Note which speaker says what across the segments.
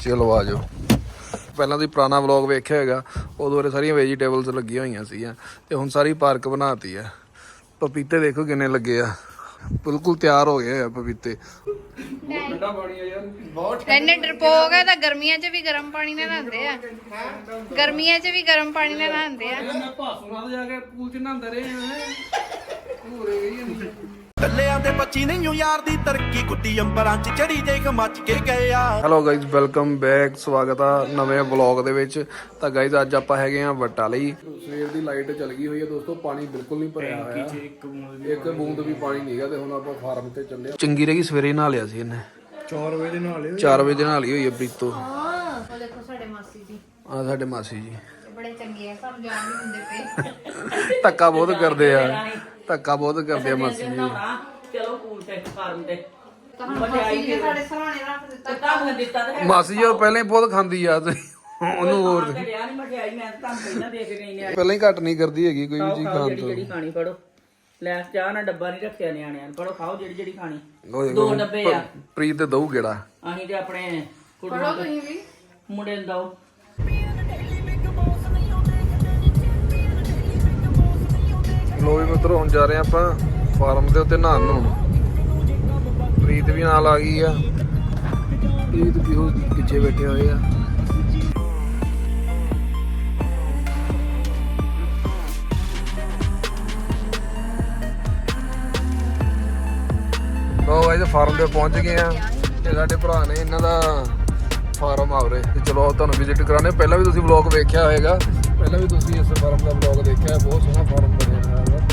Speaker 1: ਚਲੋ ਆ ਜਾਓ। ਪਹਿਲਾਂ ਤੁਸੀਂ ਪੁਰਾਣਾ ਵਲੌਗ ਵੇਖਿਆ ਹੋਏਗਾ, ਉਦੋਂ ਬਾਰੇ ਸਾਰੀਆਂ ਵੈਜੀਟੇਬਲਸ ਲੱਗੀਆਂ ਹੋਈਆਂ ਸੀਗੀਆਂ ਤੇ ਹੁਣ ਸਾਰੀ ਪਾਰਕ ਬਣਾਤੀ ਆ। ਪਪੀਤੇ ਦੇਖੋ ਕਿੰਨੇ ਲੱਗੇ ਆ, ਬਿਲਕੁਲ ਤਿਆਰ ਹੋ ਗਏ ਆ ਪਪੀਤੇ। ਠੰਡਾ ਪਾਣੀ ਆ ਯਾਰ, ਬਹੁਤ
Speaker 2: ਇੰਨੇ ਡਰਪੋਕ ਹੈ ਤਾਂ ਗਰਮੀਆਂ 'ਚ ਵੀ ਗਰਮ ਪਾਣੀ ਨਾਲ ਨਹਾਉਂਦੇ ਆ। ਗਰਮੀਆਂ 'ਚ ਵੀ ਗਰਮ ਪਾਣੀ ਨਾਲ ਨਹਾਉਂਦੇ ਆ।
Speaker 1: ਮੈਂ ਭਾਸੂ ਨਾਲ ਜਾ ਕੇ ਪੂਲ 'ਚ ਨਹਾਉਂਦੇ ਰਹੇ ਆ। ਪੂਰੇ ਗਈ ਨਹੀਂ
Speaker 3: ਕੱਲਿਆਂ ਦੇ ਬੱਚੀ ਨਹੀਂ ਯਾਰ ਦੀ ਤਰੱਕੀ ਗੁੱਡੀ ਅੰਬਰਾਂ 'ਚ ਚੜੀ ਦੇਖ ਮੱਚ ਕੇ ਗਏ ਆ।
Speaker 1: Hello guys, welcome back. ਸਵਾਗਤ ਆ ਨਵੇਂ ਵਲੌਗ ਦੇ ਵਿੱਚ। ਤਾਂ ਗਾਇਜ਼ ਅੱਜ ਆਪਾਂ ਹੈਗੇ ਆ ਵੱਟਾ ਲਈ। ਸਵੇਰ ਦੀ ਲਾਈਟ ਚੱਲ ਗਈ ਹੋਈ ਹੈ ਦੋਸਤੋ, ਪਾਣੀ ਬਿਲਕੁਲ ਨਹੀਂ ਭਰਿਆ ਹੋਇਆ, ਇੱਕ ਬੂੰਦ ਵੀ ਪਾਣੀ ਨਹੀਂਗਾ। ਤੇ ਹੁਣ ਆਪਾਂ ਫਾਰਮ ਤੇ ਚੱਲੇ। ਚੰਗੀ ਰਹੀ ਸਵੇਰੇ ਨਹਾ ਲਿਆ ਸੀ ਇਹਨੇ
Speaker 4: 4 ਵਜੇ ਨਾਲ
Speaker 1: 4 ਵਜੇ ਨਹਾ ਲਈ ਹੋਈ ਹੈ ਪ੍ਰੀਤੋ।
Speaker 2: ਉਹ ਦੇਖੋ ਸਾਡੇ ਮਾਸੀ ਜੀ,
Speaker 1: ਆ ਸਾਡੇ ਮਾਸੀ ਜੀ
Speaker 2: ਬੜੇ ਚੰਗੇ ਆ, ਸਾਨੂੰ ਜਾਣ ਨਹੀਂ ਦਿੰਦੇ ਪਏ।
Speaker 1: ਧੱਕਾ ਬਹੁਤ ਕਰਦੇ ਆ, ਧੱਕਾ ਬਹੁਤ ਕਰਦੇ ਆ ਮਾਸੀ ਜੀ।
Speaker 5: ਚਲੋ ਪੂਲ ਤੇ ਫਾਰਮ ਤੇ
Speaker 2: ਮਾਸੀ ਨੇ ਸਾਡੇ ਸਰਾਣੇ ਰੱਖ ਦਿੱਤਾ।
Speaker 5: ਤੁਹਾਨੂੰ ਦਿੱਤਾ ਤਾਂ ਹੈ
Speaker 1: ਮਾਸੀ ਜੀ ਉਹ ਪਹਿਲਾਂ ਹੀ ਬਹੁਤ ਖਾਂਦੀ ਆ ਤੇ ਉਹਨੂੰ ਹੋਰ
Speaker 5: ਤੇ ਰਿਆ ਨਹੀਂ ਮਠਿਆਈ। ਮੈਂ ਤਾਂ ਤੁਹਾਨੂੰ ਪਹਿਲਾਂ ਦੇ ਕੇ ਗਈ ਨੇ।
Speaker 1: ਪਹਿਲਾਂ ਹੀ ਘੱਟ ਨਹੀਂ ਕਰਦੀ ਹੈਗੀ ਕੋਈ ਵੀ ਚੀਜ਼ ਖਾਣ
Speaker 5: ਜਿਹੜੀ
Speaker 1: ਤੋਂ।
Speaker 5: ਜਿਹੜੀ ਖਾਣੀ ਫੜੋ। ਲੈ ਚਾਹ ਨਾਲ ਡੱਬਾ ਨਹੀਂ ਰੱਖਿਆ ਨਿਆਣਿਆਂ ਨੇ, ਫੜੋ ਖਾਓ ਜਿਹੜੀ ਜਿਹੜੀ ਖਾਣੀ।
Speaker 1: ਉਹ ਦੇਖੋ,
Speaker 5: 2 ਡੱਬੇ ਆ।
Speaker 1: ਪ੍ਰੀਤ ਤੇ ਦਊ ਗੇੜਾ।
Speaker 5: ਅਸੀਂ ਤੇ ਆਪਣੇ
Speaker 2: ਪੜੋ ਤੁਸੀਂ ਵੀ।
Speaker 5: ਮੁੰਡੇ ਨੂੰ ਦਓ।
Speaker 1: ਲੋ ਵੀ ਮਿੱਤਰੋ, ਹੁਣ ਜਾ ਰਹੇ ਆਪਾਂ ਫਾਰਮ ਦੇ ਉੱਤੇ ਨਹਾਉਣ ਨੂੰ। ਪ੍ਰੀਤ ਵੀ ਨਾਲ ਆ ਗਈ ਆ। ਪ੍ਰੀਤ ਵੀ ਉਹ ਪਿੱਛੇ ਬੈਠੇ ਹੋਏ ਆ। ਲੋ ਗਾਇਸ, ਫਾਰਮ ਤੇ ਪਹੁੰਚ ਗਏ ਆ। ਇਹ ਸਾਡੇ ਭਰਾ ਨੇ, ਇਹਨਾਂ ਦਾ ਫਾਰਮ ਆਵਰੇ। ਤੇ ਚਲੋ ਤੁਹਾਨੂੰ ਵਿਜ਼ਿਟ ਕਰਾਣੇ। ਪਹਿਲਾਂ ਵੀ ਤੁਸੀਂ ਵਲੌਗ ਵੇਖਿਆ ਹੋਏਗਾ, ਪਹਿਲਾਂ ਵੀ ਤੁਸੀਂ ਇਸ ਫਾਰਮ ਦਾ ਵਲੌਗ ਦੇਖਿਆ। ਬਹੁਤ ਸੋਹਣਾ ਫਾਰਮ ਬਣਿਆ ਹੋਇਆ ਹੈ।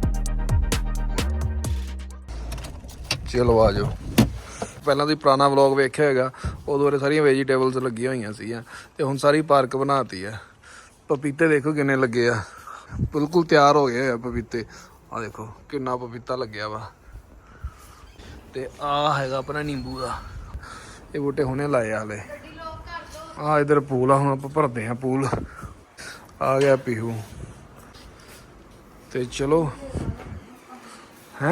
Speaker 1: ਚਲੋ ਆ ਜਾਓ। ਪਹਿਲਾਂ ਤੁਸੀਂ ਪੁਰਾਣਾ ਵਲੌਗ ਵੇਖਿਆ ਹੋਏਗਾ, ਉਦੋਂ ਬਾਰੇ ਸਾਰੀਆਂ ਵੈਜੀਟੇਬਲਸ ਲੱਗੀਆਂ ਹੋਈਆਂ ਸੀਗੀਆਂ ਤੇ ਹੁਣ ਸਾਰੀ ਪਾਰਕ ਬਣਾਤੀ ਆ। ਪਪੀਤੇ ਦੇਖੋ ਕਿੰਨੇ ਲੱਗੇ ਆ, ਬਿਲਕੁਲ ਤਿਆਰ ਹੋ ਗਏ ਆ ਪਪੀਤੇ। ਆ ਦੇਖੋ ਕਿੰਨਾ ਪਪੀਤਾ ਲੱਗਿਆ ਵਾ। ਤੇ ਆ ਹੈਗਾ ਆਪਣਾ ਨਿੰਬੂ ਦਾ। ਇਹ ਬੂਟੇ ਹੁਣੇ ਲਾਏ ਆ ਹਲੇ। ਆ ਇਧਰ ਪੂਲ ਆ, ਹੁਣ ਆਪਾਂ ਭਰਦੇ ਆ ਪੂਲ। ਆ ਗਿਆ ਪੀਹੂ। ਤੇ ਚਲੋ ਹੈ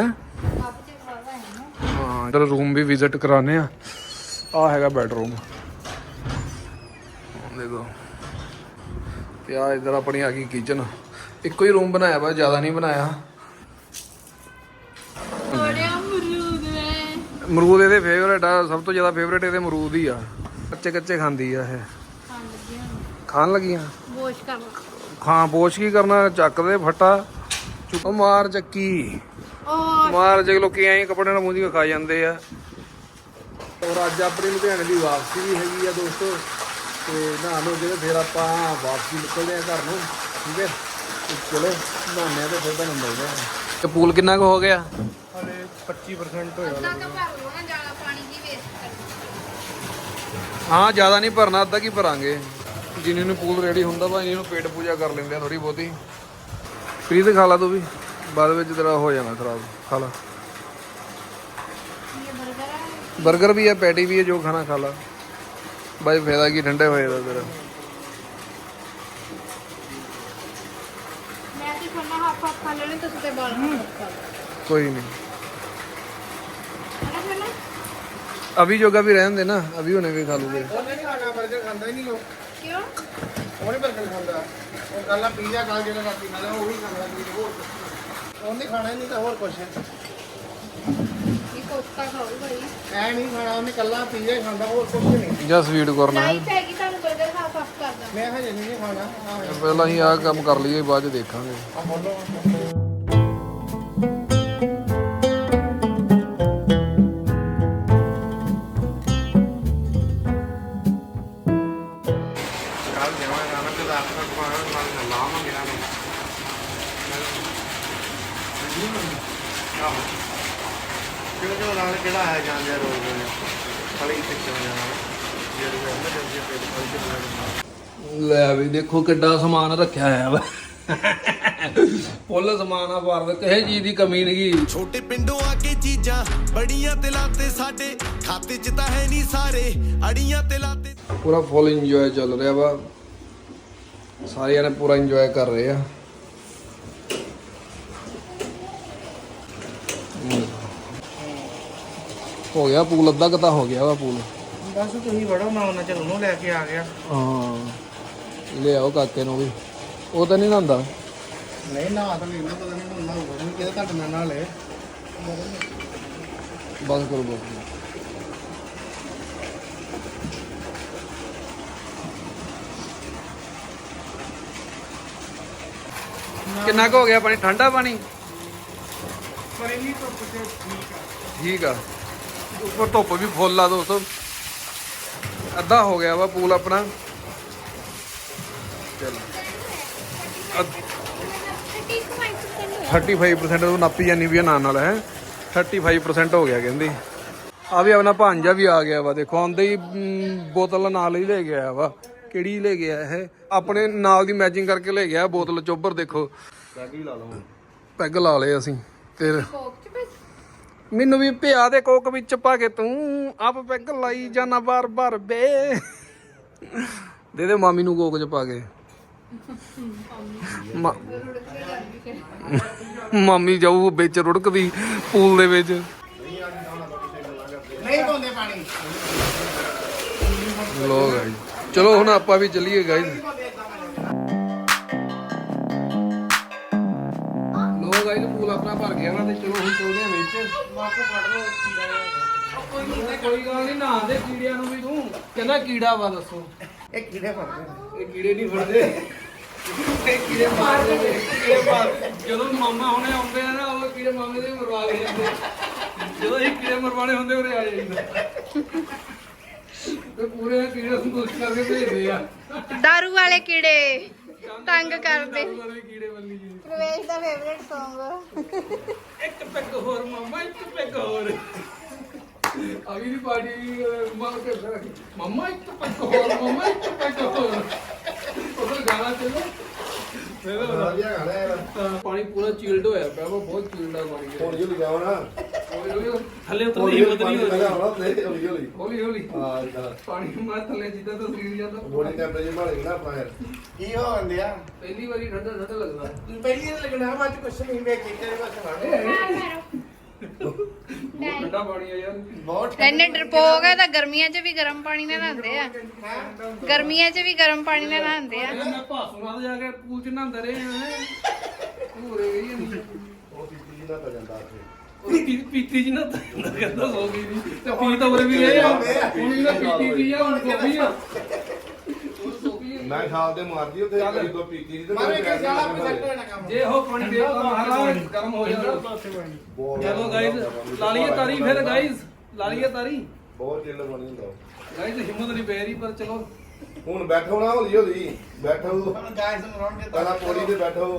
Speaker 1: ਹਾਂ, ਇਧਰ ਰੂਮ ਵੀ ਵਿਜ਼ਿਟ ਕਰਾਣੇ ਆ। ਆ ਹੈਗਾ ਬੈਡਰੂਮ ਦੇਖੋ। ਤੇ ਆ ਇਧਰ ਆਪਣੀ ਆ ਗਈ ਕਿਚਨ। ਇੱਕੋ ਹੀ ਰੂਮ ਬਣਾਇਆ ਵਾ, ਜ਼ਿਆਦਾ ਨਹੀਂ ਬਣਾਇਆ। ਅਮਰੂਦ ਇਹਦੇ ਫੇਵਰੇਟ ਆ, ਸਭ ਤੋਂ ਜ਼ਿਆਦਾ ਫੇਵਰੇਟ ਇਹਦੇ ਅਮਰੂਦ ਹੀ ਆ। ਕੱਚੇ ਕੱਚੇ ਖਾਂਦੀ ਆ ਇਹ। ਖਾਣ ਲੱਗੀਆਂ
Speaker 2: ਬੋਸ਼ ਕਰ ਲਓ।
Speaker 1: ਖਾਂ ਬੋਸ਼ ਕੀ ਕਰਨਾ, ਚੱਕ ਦੇ ਫੱਟਾ ਚੁੱਕ ਮਾਰ ਚੱਕੀ
Speaker 2: ਉਹ
Speaker 1: ਮਾਰ ਜੇ। ਲੋਕੀ ਐਂ ਕੱਪੜੇ ਨਾਲ ਮੂੰਹ ਖਾ ਜਾਂਦੇ ਆ। ਔਰ ਅੱਜ ਆਪਣੀ ਲੁਧਿਆਣੇ ਦੀ ਵਾਪਸੀ ਵੀ ਹੈਗੀ ਆ ਦੋਸਤੋ। ਤੇ ਨਹਾ ਲੋ ਕੇ ਫਿਰ ਆਪਾਂ ਵਾਪਸੀ ਨਿਕਲਦੇ ਆ ਘਰ ਨੂੰ, ਠੀਕ ਹੈ। ਤੇ ਚਲੋ ਨਹਾਉਂਦੇ ਆ ਤੇ ਫਿਰ ਤੁਹਾਨੂੰ ਮਿਲਦੇ ਆ। ਤੇ ਪੂਲ ਕਿੰਨਾ ਕੁ ਹੋ ਗਿਆ?
Speaker 4: ਹਲੇ 25% ਹੋਇਆ।
Speaker 2: ਅੱਧਾ ਤਾਂ ਭਰ ਲਓ ਨਾ, ਜ਼ਿਆਦਾ ਪਾਣੀ ਦੀ ਵੇਸਟ ਕਰਨੀ।
Speaker 1: ਹਾਂ ਜ਼ਿਆਦਾ ਨਹੀਂ ਭਰਨਾ, ਅੱਧਾ ਕੀ ਭਰਾਂਗੇ। ਜਿੰਨੇ ਨੂੰ ਪੂਲ ਰੈਡੀ ਹੁੰਦਾ ਵਾ ਇਹਨੂੰ ਪੇਟ ਪੂਜਾ ਕਰ ਲੈਂਦੇ ਆ ਥੋੜੀ ਬਹੁਤੀ। ਪ੍ਰੀਤ ਖਾ ਲਾ ਤੂੰ ਵੀ, ਬਾਅਦ ਵਿੱਚ ਤੇਰਾ ਹੋ ਜਾਣਾ ਖਰਾਬ। ਖਾ ਲਾ। ਬਰਗਰ ਵੀ ਹੈ, ਪੈਟੀ ਵੀ ਹੈ, ਜੋ ਖਾਣਾ ਖਾ ਲਾ ਬਾਈ। ਫਾਇਦਾ ਕੀ, ਠੰਡੇ ਹੋਏ ਦਾ ਤੇਰਾ।
Speaker 2: ਮੈਂ ਤੇ ਖਾਣਾ ਹਾਫ ਹਾਫ ਖਾ ਲੈਣੇ, ਤੁਸੀਂ ਤੇ ਬਾਲ ਖਾ ਲਓ।
Speaker 1: ਕੋਈ ਨਹੀਂ,
Speaker 2: ਖਾਣਾ ਖਾਣਾ
Speaker 1: ਅਭੀ ਜੋਗਾ ਵੀ ਰਹਿਣ ਦੇ ਨਾ, ਅਭੀ ਹੁਣੇ ਵੀ ਖਾ ਲੂਗੇ।
Speaker 4: ਉਹਨੇ ਨਹੀਂ ਖਾਣਾ, 버ਗਰ ਖਾਂਦਾ ਹੀ ਨਹੀਂ ਉਹ।
Speaker 2: ਕਿਉਂ?
Speaker 4: ਉਹ ਨਹੀਂ 버ਗਰ ਖਾਂਦਾ। ਉਹ ਕੱਲਾ ਪੀਜ਼ਾ ਖਾ ਜਿਹੜਾ ਰਾਤੀ ਖਾਂਦਾ ਉਹ ਵੀ ਖਾਂਦਾ ਨਹੀਂ। ਹੋਰ ਉਹਨੇ ਖਾਣਾ ਹੀ ਨਹੀਂ ਤਾਂ ਹੋਰ ਕੁਛ
Speaker 2: ਇਹ ਕੋਸਤਾ ਖਾਓ ਭਾਈ।
Speaker 4: ਐ ਨਹੀਂ ਖਾਣਾ। ਉਹਨੇ ਕੱਲਾ ਪੀਜ਼ਾ ਹੀ ਖਾਂਦਾ, ਹੋਰ ਕੁਛ ਨਹੀਂ।
Speaker 1: ਜਾਂ ਸਵੀਟ ਕਰਨਾ ਹੈ।
Speaker 2: ਲਾਈਫ ਹੈਗੀ, ਤੁਹਾਨੂੰ 버ਗਰ ਹਾਫ ਹਾਫ ਕਰਦਾ।
Speaker 4: ਮੈਂ ਹਜੇ ਨਹੀਂ ਖਾਣਾ।
Speaker 1: ਪਹਿਲਾਂ ਹੀ ਆਹ ਕੰਮ ਕਰ ਲਈਏ, ਬਾਅਦ ਚ ਦੇਖਾਂਗੇ।
Speaker 4: ਆ ਬੋਲੋ। ਕਿਹੜਾ ਹੈ ਜਾਂਦੇ ਰੋਜ਼ ਖਾਲੀ ਕਿੱਥੇ ਜਾਣਾ ਜਿਹੜੇ
Speaker 1: ਲੈ ਵੀ ਦੇਖੋ ਕਿੱਡਾ ਸਮਾਨ ਰੱਖਿਆ ਹੋਇਆ ਵਾ। ਫੁੱਲ ਸਮਾਨ ਆ ਭਾਰਤ, ਕਿਸੇ ਚੀਜ਼ ਦੀ ਕਮੀ ਨਹੀਂ।
Speaker 3: ਛੋਟੇ ਪਿੰਡੋਂ ਆ ਕੇ ਚੀਜ਼ਾਂ ਬੜੀਆਂ ਤੇ ਲਾਤੇ ਸਾਡੇ ਖਾਤੇ 'ਚ ਤਾਂ ਹੈ ਨਹੀਂ ਸਾਰੇ ਅੜੀਆਂ ਤੇ ਲਾਤੇ।
Speaker 1: ਪੂਰਾ ਫੁੱਲ ਇੰਜੋਏ ਚੱਲ ਰਿਹਾ ਵਾ, ਸਾਰੇ ਜਣੇ ਪੂਰਾ ਇੰਜੋਏ ਕਰ ਰਹੇ ਆ। ਹੋ ਗਿਆ ਪੂਲ, ਅੱਧਾ ਕੁ ਤਾਂ ਹੋ ਗਿਆ ਵਾ ਪੂਲ।
Speaker 4: ਬਸ ਤੁਸੀਂ ਵੜੋ, ਮੈਂ ਉਹਨਾਂ ਚ ਉਹਨੂੰ ਲੈ ਕੇ ਆ ਗਿਆ।
Speaker 1: ਹਾਂ ਲਿਆਓ ਕਾਕੇ ਨੂੰ ਵੀ, ਉਹ ਤਾਂ ਨਹੀਂ ਨਹਾਉਂਦਾ।
Speaker 4: ਨਹੀਂ ਨਾ ਤਾਂ ਮੈਨੂੰ ਪਤਾ ਨਹੀਂ ਹੁਣ ਹੋਊਗਾ ਨਹੀਂ ਕਿਹਦਾ ਤੁਹਾਡੇ ਨਾਲ ਨਾਲੇ।
Speaker 1: ਬਸ ਕਰੋ ਬਸ। ਕਿੰਨਾ ਕੁ ਹੋ ਗਿਆ ਪਾਣੀ? ਠੰਡਾ ਪਾਣੀ
Speaker 4: ਪਰ ਇੰਨੀ ਧੁੱਪ ਤੇ ਠੀਕ ਆ।
Speaker 1: ਠੀਕ ਆ। ਉੱਪਰ ਧੁੱਪ ਵੀ ਫੁੱਲ ਆ ਦੋਸਤੋ। ਅੱਧਾ ਹੋ ਗਿਆ ਵਾ ਪੂਲ ਆਪਣਾ। ਚਲੋ 35% ਉਹ ਨਾਪੀ ਜਾਨੀ ਵੀ ਆ ਨਾਲ ਨਾਲ ਹੈ। 35% ਹੋ ਗਿਆ ਕਹਿੰਦੀ। ਆ ਵੀ ਆਪਣਾ ਭਾਂਜਾ ਵੀ ਆ ਗਿਆ ਵਾ, ਦੇਖੋ ਆਉਂਦੇ ਹੀ ਬੋਤਲ ਨਾਲ ਹੀ ਲੈ ਗਿਆ ਵਾ। ਕਿਹੜੀ ਲੈ ਗਿਆ ਇਹ? ਆਪਣੇ ਨਾਲ ਦੀ ਮੈਚਿੰਗ ਕਰਕੇ ਲੈ ਗਿਆ ਬੋਤਲ ਚੋਬਰ। ਦੇਖੋ ਪੈਗ ਲਾ ਲਏ ਅਸੀਂ। ਤੇ ਮੈਨੂੰ ਵੀ ਪਿਆ ਦੇ ਕੋਕ ਵਿੱਚ ਪਾ ਕੇ ਤੂੰ ਆਪ ਪੈਗ ਲਾਈ ਜਾਣਾ ਬਾਰ ਬਾਰ ਬੇ। ਦੇ ਦੇ ਮਾਮੀ ਨੂੰ ਕੋਕ ਚ ਪਾ ਕੇ। ਮਾਮੀ ਜਾਊ ਵਿੱਚ ਰੁੜਕਦੀ ਪੂਲ ਦੇ ਵਿੱਚ।
Speaker 4: ਨਹੀਂ ਪਾਉਂਦੇ ਪਾਣੀ।
Speaker 1: ਲੋ ਗਾਇਸ ਚਲੋ ਹੁਣ ਆਪਾਂ ਵੀ ਚੱਲੀਏ ਗਾਇਸ। ਲੋ ਗਾਇਸ ਪੂਲ ਆਪਣਾ ਭਰ ਗਿਆ ਵਾ ਤੇ ਚਲੋ ਹੁਣ ਚੱਲਦੇ ਆ ਵਿੱਚ। ਕੋਈ ਗੱਲ ਨਹੀਂ, ਨਹਾਉਂਦੇ ਕੀੜਿਆਂ ਨੂੰ ਵੀ ਤੂੰ ਕਹਿੰਦਾ ਕੀੜਾ ਵਾ। ਦੱਸੋ
Speaker 4: ਇਹ ਕੀੜੇ ਫੜਦੇ
Speaker 1: ਇਹ ਕੀੜੇ ਨਹੀਂ ਫੜਦੇ, ਇਹ ਕੀੜੇ ਮਾਰਦੇ ਨੇ। ਕੀੜੇ ਮਾਰ ਜਦੋਂ ਮਾਮਾ ਹੁਣੇ ਆਉਂਦੇ ਆ ਨਾ ਉਹ ਕੀੜੇ ਮਾਮੇ ਦੇ ਮਰਵਾ ਕੇ ਜਾਂਦੇ। ਜਦੋਂ ਇਹ ਕੀੜੇ ਮਰਵਾਣੇ ਹੁੰਦੇ ਉਰੇ ਆ ਜਾਂਦਾ ਤੇ ਪੂਰੇ ਕੀੜੇ ਨੂੰ ਕੁਛ ਕਰਕੇ ਭੇਜਦੇ ਆ।
Speaker 2: ਦਾਰੂ ਵਾਲੇ ਕੀੜੇ ਤੰਗ ਕਰਦੇ।
Speaker 1: ਵਾਲੇ ਕੀੜੇ ਵੱਲੀ ਜੀ।
Speaker 2: ਪ੍ਰਵੇਸ਼ ਦਾ ਫੇਵਰੇਟ Song।
Speaker 1: ਇੱਕ ਪੈਗ ਹੋਰ ਮਾਮਾ, ਇੱਕ ਪੈਗ ਹੋਰ। ਅਗੀ ਦੀ ਪਾਰਟੀ ਮਾਰ ਕੇ ਮਾਮਾ ਇੱਕ ਪੈਗ ਹੋਰ, ਮਾਮਾ ਇੱਕ ਪੈਗ ਹੋਰ। ਉਹ ਗਾਣਾ ਚੱਲੋ ਪਾਣੀ ਪੂਰਾ ਚੀਲਡ ਹੋਇਆ ਪਿਆ ਵਾ, ਬਹੁਤ ਚੀਲਡ ਆ ਪਾਣੀ।
Speaker 4: ਹੁਣ ਜੋ ਲਿਜਾਓ ਨਾ
Speaker 5: ਥੱਲੇ ਉਤਰਨ ਦੀ ਹਿੰਮਤ ਨਹੀਂ ਹੋਣੀ।
Speaker 1: ਹੌਲੀ ਹੌਲੀ ਪਾਣੀ ਮਾਰ ਥੱਲੇ ਜਿੱਦਾਂ ਤਾਂ ਸਰੀਰ ਜਾਂਦਾ।
Speaker 4: ਬੋਡੀ ਟੈਂਪਰੇਚਰ ਮਾਰੇ ਨਾ ਆਪਣਾ ਯਾਰ। ਕੀ ਹੋਣ ਦਿਆ?
Speaker 1: ਪਹਿਲੀ ਵਾਰੀ ਠੰਡਾ ਠੰਡਾ ਲੱਗਦਾ।
Speaker 4: ਪਹਿਲੀ ਵਾਰ ਲੱਗਣਾ ਮੈਂ ਅੱਜ ਕੁਛ ਨਹੀਂ ਵੇਖ ਕੇ ਤੇਰੇ ਪਾਸੇ ਵੜ।
Speaker 1: ਠੰਡਾ ਪਾਣੀ ਆ ਯਾਰ
Speaker 4: ਬਹੁਤ
Speaker 2: ਇੰਨੇ ਡਰਪੋਕ ਆ ਤਾਂ ਗਰਮੀਆਂ 'ਚ ਵੀ ਗਰਮ ਪਾਣੀ ਨਾਲ ਨਹਾਉਂਦੇ ਆ। ਗਰਮੀਆਂ 'ਚ ਵੀ ਗਰਮ ਪਾਣੀ ਨਾਲ ਨਹਾਉਂਦੇ ਆ।
Speaker 1: ਮੈਂ ਭਾਸੂ ਨਾਲ ਜਾ ਕੇ ਪੂਲ ਚ ਨਹਾਉਂਦਾ ਰਿਹਾ ਪੂਰੇ ਗਈ ਜਾਂਦੀ।
Speaker 4: ਉਹ ਪੀਤੀ ਨਾ ਤਾਂ ਜਾਂਦਾ ਉੱਥੇ।
Speaker 1: ਉਹ ਪੀਤੀ ਜੀ ਨਾ ਕਹਿੰਦਾ ਸੋ ਗਈ ਨਹੀਂ ਤੇ ਪੀ ਤਾਂ ਉਰੇ ਵੀ ਰਹੇ ਆ। ਹੁਣ ਵੀ ਤਾਂ ਪੀਤੀ ਜੀ ਆ, ਹੁਣ ਸੋਪੀ ਆ।
Speaker 4: ਮੈਂ ਖਾਲ ਤੇ ਮਾਰਦੀ ਉੱਥੇ ਕਦੀ ਕੋ ਪੀਤੀ ਨਹੀਂ ਤੇ
Speaker 3: ਮਾਰੇ ਕੇ ਸਾਲਾ ਪ੍ਰੋਜੈਕਟ ਹੋਣਾ ਕੰਮ।
Speaker 1: ਜੇ ਉਹ ਪਾਣੀ ਦੇ ਤਾਂ ਮਹਾਰਾਜ ਗਰਮ ਹੋ ਜਾਂਦਾ। ਚਲੋ ਗਾਇਸ ਲਾ ਲਈਏ ਤਾਰੀ ਫਿਰ ਗਾਇਸ, ਲਾ ਲਈਏ ਤਾਰੀ।
Speaker 4: ਬਹੁਤ ਚਿੱਲ ਬਣੀ ਹੁੰਦਾ।
Speaker 1: ਗਾਇਸ ਹਿੰਮਤ ਨਹੀਂ ਪੈ ਰਹੀ ਪਰ ਚਲੋ
Speaker 4: ਹੁਣ ਬੈਠੋ ਨਾ ਹੌਲੀ ਹੌਲੀ ਬੈਠੋ।
Speaker 3: ਹੁਣ ਗਾਇਸ ਨੂੰ ਰੌਣ ਕੇ
Speaker 4: ਪਹਿਲਾਂ ਪੌੜੀ ਤੇ ਬੈਠੋ।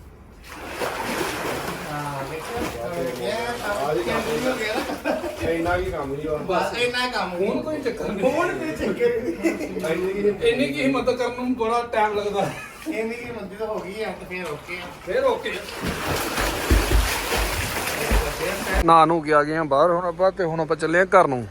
Speaker 4: ਇੰਨਾ ਕੀ ਕੰਮ ਨਹੀਂ
Speaker 3: ਬਸ ਇੰਨਾ ਕੰਮ
Speaker 1: ਹੁਣ ਕੋਈ ਚੱਕਰ ਨਹੀਂ।
Speaker 3: ਹੁਣ ਤੇ ਚੱਕਰ ਨਹੀਂ।
Speaker 1: ਇੰਨੀ ਕੀ ਹਿੰਮਤ ਕਰਨ ਨੂੰ ਬੜਾ ਟਾਈਮ ਲੱਗਦਾ।
Speaker 3: ਇੰਨੀ ਕੀ ਮੰਦੀ ਤਾਂ ਹੋ ਗਈ ਆ ਤੇ ਫੇਰ ਓਕੇ ਆ।
Speaker 1: ਫੇਰ ਓਕੇ ਨਾ ਨੂੰ ਗਿਆ ਗਏ ਆ ਬਾਹਰ ਹੁਣ ਆਪਾਂ ਤੇ ਹੁਣ ਆਪਾਂ ਚੱਲੇ ਆ ਘਰ ਨੂੰ।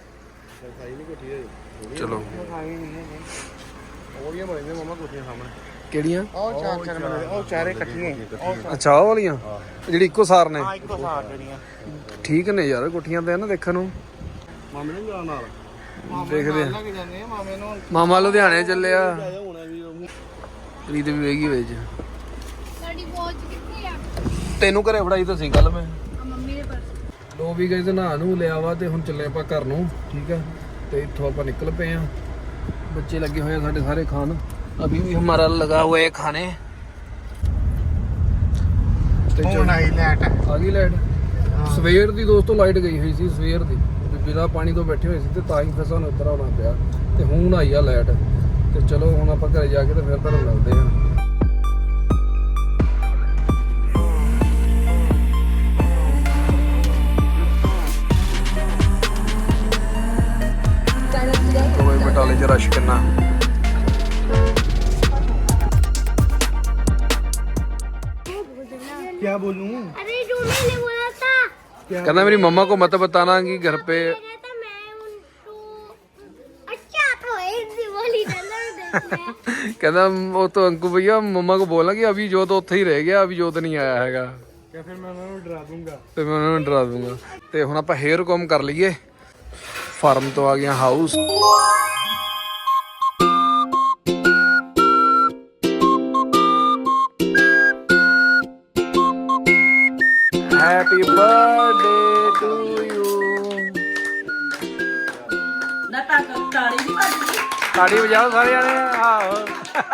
Speaker 1: ਚਲੋ
Speaker 4: ਉਹਦੀਆਂ ਬਣੀਆਂ ਮਮਾ ਕੋਠੀਆਂ ਸਾਹਮਣੇ।
Speaker 1: ਕਿਹੜੀਆਂ?
Speaker 4: ਉਹ ਚਾਰ ਬਣਦੇ ਉਹ ਚਾਰੇ ਇਕੱਠੀਆਂ
Speaker 1: ਅੱਛਾ ਉਹ ਵਾਲੀਆਂ ਜਿਹੜੀ ਇੱਕੋ ਸਾਰ ਨੇ।
Speaker 4: ਹਾਂ ਇੱਕੋ ਸਾਰ ਜਿਹੜੀਆਂ
Speaker 1: ਠੀਕ ਨੇ ਯਾਰ ਕੋਠੀਆਂ ਤੇ ਨਾ ਦੇਖਣ ਨੂੰ।
Speaker 4: ਮਾਮੇ ਨੂੰ ਜਾਣ ਨਾਲ
Speaker 1: ਦੇਖਦੇ ਆ।
Speaker 4: ਲੱਗ ਜਾਂਦੇ ਆ ਮਾਮੇ ਨੂੰ।
Speaker 1: ਮਾਮਾ ਲੁਧਿਆਣੇ ਚੱਲਿਆ।
Speaker 4: ਹੋਣਾ ਵੀ
Speaker 1: ਪ੍ਰੀਤ ਵੀ ਵੇਗੀ ਵਿੱਚ।
Speaker 2: ਸਾਡੀ ਵਾਚ ਕਿੱਥੇ ਆ?
Speaker 1: ਤੈਨੂੰ ਘਰੇ ਫੜਾਈ ਤਾਂ ਸੀ ਕੱਲ ਮੈਂ।
Speaker 2: ਮੰਮੀ ਦੇ ਪਰਸ।
Speaker 1: ਲੋ ਵੀ ਗਏ ਤੇ ਨਹਾ ਨੂੰ ਲਿਆ ਵਾ ਤੇ ਹੁਣ ਚੱਲੇ ਆਪਾਂ ਘਰ ਨੂੰ। ਠੀਕ ਆ ਤੇ ਇੱਥੋਂ ਆਪਾਂ ਨਿਕਲ ਪਏ ਆ। ਬੱਚੇ ਲੱਗੇ ਹੋਏ ਆ ਸਾਡੇ ਸਾਰੇ ਖਾਣ। अभी भी हमारा लगा हुआ है खाने।
Speaker 4: ਹੁਣ ਆਈ ਲੈਟ
Speaker 1: ਆ ਗਈ ਲਾਈਟ। ਸਵੇਰ ਦੀ ਦੋਸਤੋ ਲਾਈਟ ਗਈ ਹੋਈ ਸੀ ਸਵੇਰ ਦੀ। ਬਿਨਾਂ ਪਾਣੀ ਤੋਂ ਬੈਠੇ ਹੋਏ ਸੀ ਤੇ ਤਾਂ ਹੀ ਫਿਰ ਸਾਨੂੰ ਇੱਧਰ ਆਉਣਾ ਪਿਆ ਤੇ ਹੁਣ ਆਈ ਆ ਲਾਈਟ। ਤੇ ਚਲੋ ਹੁਣ ਆਪਾਂ ਘਰੇ ਜਾ ਕੇ ਤੇ ਫਿਰ ਤੁਹਾਨੂੰ ਮਿਲਦੇ ਆ। ਕੋਈ ਬਟਾਲੇ ਚ ਰਸ਼ ਕਿੰਨਾ।
Speaker 4: क्या बोलूं?
Speaker 6: अरे तूने ने बोला था
Speaker 1: कहना मेरी मम्मा को मत बताना कि घर पे।
Speaker 6: कहता मैं उनको अच्छा तो ऐसी बोली चलो
Speaker 1: कहना वो तो अंकु भैया मम्मा को बोला कि अभी जोत ਉੱਥੇ ਹੀ ਰਹਿ ਗਿਆ, अभी जोत नहीं आया हैगा।
Speaker 4: फिर मैं उन्हें डरा दूंगा।
Speaker 1: ਤੇ ਮੈਂ ਉਹਨਾਂ ਨੂੰ ਡਰਾ ਦੂੰਗਾ। ਤੇ ਹੁਣ ਆਪਾਂ ਹੇਅਰ ਕੌਮ ਕਰ ਲਈਏ ਫਾਰਮ ਤੋਂ ਆ ਗਿਆ house. Happy birthday to you.
Speaker 5: ਨਾ ਤਾਂ ਤਾੜੀ ਨਹੀਂ ਵੱਜਦੀ।
Speaker 1: ਤਾੜੀ ਵਜਾਓ ਸਾਰੇ ਜਾਣੇ। ਆਹੋ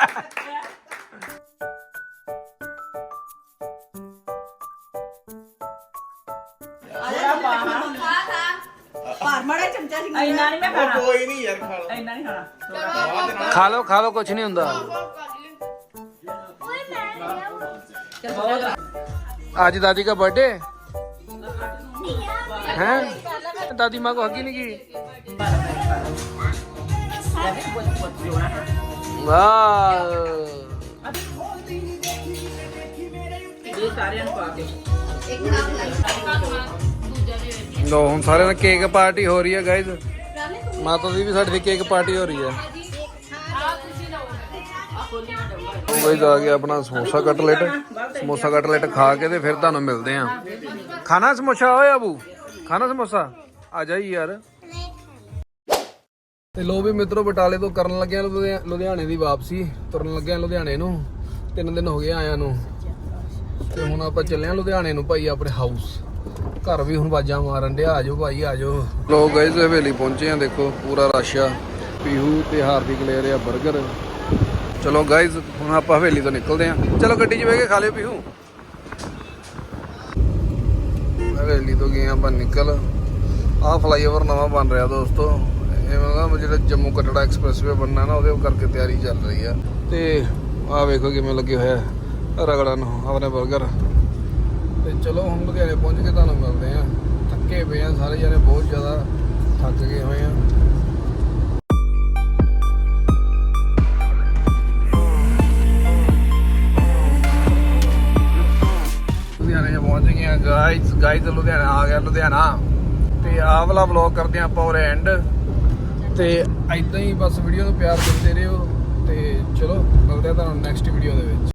Speaker 5: ਪਰ ਮੜਾ ਚਮਚਾ ਸੀ ਇੰਨਾ ਨਹੀਂ ਮੈਂ ਖਾਣਾ। ਕੋਈ ਨਹੀਂ ਯਾਰ ਖਾ ਲਓ। ਇੰਨਾ ਨਹੀਂ ਖਾਣਾ।
Speaker 1: ਖਾ ਲਓ ਕੁਛ ਨਹੀਂ ਹੁੰਦਾ।
Speaker 6: ओए मैं
Speaker 5: ਚਲ ਬਹੁਤ
Speaker 1: आज दादी का बर्थडे है। दादी माँ को हगी नहीं की। वाह
Speaker 5: ਇਹ ਸਾਰਿਆਂ ਨੂੰ ਪਾ ਕੇ
Speaker 1: लो हम सारे ने केक पार्टी हो रही है गाइज। माता दी भी साड़ी केक पार्टी हो रही है। गाइज आ गया अपना समोसा कटलेट। समोसा कटलेट खा के ते फिर ਤੁਹਾਨੂੰ ਮਿਲਦੇ ਆ। ਖਾਣਾ ਸਮੋਸਾ ਓਏ ਅਬੂ ਖਾਣਾ ਸਮੋਸਾ ਆ ਜਾਈ ਯਾਰ। ਤੇ ਲੋ ਵੀ ਮਿੱਤਰੋ ਬਟਾਲੇ ਤੋਂ ਕਰਨ ਲੱਗਿਆ ਲੁਧਿਆਣੇ ਦੀ ਵਾਪਸੀ। ਤੁਰਨ ਲੱਗਿਆ ਲੁਧਿਆਣੇ ਨੂੰ। 3 ਦਿਨ ਹੋ ਗਏ ਆਇਆਂ ਨੂੰ ਤੇ ਹੁਣ ਆਪਾਂ ਚੱਲੇ ਆ ਲੁਧਿਆਣੇ ਨੂੰ ਭਾਈ ਆਪਣੇ ਹਾਊਸ। ਘਰ ਵੀ ਹੁਣ ਬਾਜਾਂ ਮਾਰਨ ਡਿਆ ਆ ਜਾਓ ਭਾਈ ਆ ਜਾਓ। ਲੋਕ ਗਾਇਜ਼ ਹਵੇਲੀ ਪਹੁੰਚੇ ਆ ਦੇਖੋ ਪੂਰਾ ਰਸ਼ ਆ। ਪੀਹੂ ਤੇ ਹਾਰਦਿਕ ਲੈ ਰਿਹਾ 버ਗਰ। ਚਲੋ ਗਾਇਜ਼ ਹੁਣ ਆਪਾਂ ਹਵੇਲੀ ਤੋਂ ਨਿਕਲਦੇ ਆ। ਚਲੋ ਗੱਡੀ 'ਚ ਬਹਿ ਕੇ ਖਾ ਲਿਓ ਪੀਹੂ। ਹਵੇਲੀ ਤੋਂ ਗਏ ਆਪਾਂ ਨਿਕਲ। ਆਹ ਫਲਾਈਓਵਰ ਨਵਾਂ ਬਣ ਰਿਹਾ ਦੋਸਤੋ। ਇਹ ਮਤਲਬ ਜਿਹੜਾ ਜੰਮੂ ਕਟੜਾ ਐਕਸਪ੍ਰੈਸਵੇ ਬਣਨਾ ਨਾ ਉਹਦੇ ਕਰਕੇ ਤਿਆਰੀ ਚੱਲ ਰਹੀ ਆ। ਤੇ ਆਹ ਵੇਖੋ ਕਿਵੇਂ ਲੱਗੇ ਹੋਇਆ ਰਗੜਨ ਆਪਣੇ 버ਗਰ। ਤੇ ਚਲੋ ਹੁਣ ਲੁਧਿਆਣੇ ਪਹੁੰਚ ਕੇ ਤੁਹਾਨੂੰ ਮਿਲਦੇ ਆ। ਥੱਕੇ ਪਏ ਆ ਸਾਰੇ ਜਣੇ ਬਹੁਤ ਜ਼ਿਆਦਾ ਥੱਕ ਗਏ ਹੋਏ ਆ। ਲੁਧਿਆਣੇ ਪਹੁੰਚ ਗਏ ਆ ਗਾਇਜ਼ ਲੁਧਿਆਣਾ ਆ ਗਿਆ ਲੁਧਿਆਣਾ। ਤੇ ਆਹ ਵਾਲਾ ਵਲੌਗ ਕਰਦੇ ਆ ਆਪਾਂ ਉਰੇ ਐਂਡ। ਤੇ ਇਦਾਂ ਹੀ ਬਸ ਵੀਡੀਓ ਨੂੰ ਪਿਆਰ ਦਿੰਦੇ ਰਹੋ। ਤੇ ਚਲੋ ਮਿਲਦੇ ਆ ਤੁਹਾਨੂੰ ਨੈਕਸਟ ਵੀਡੀਓ ਦੇ ਵਿੱਚ।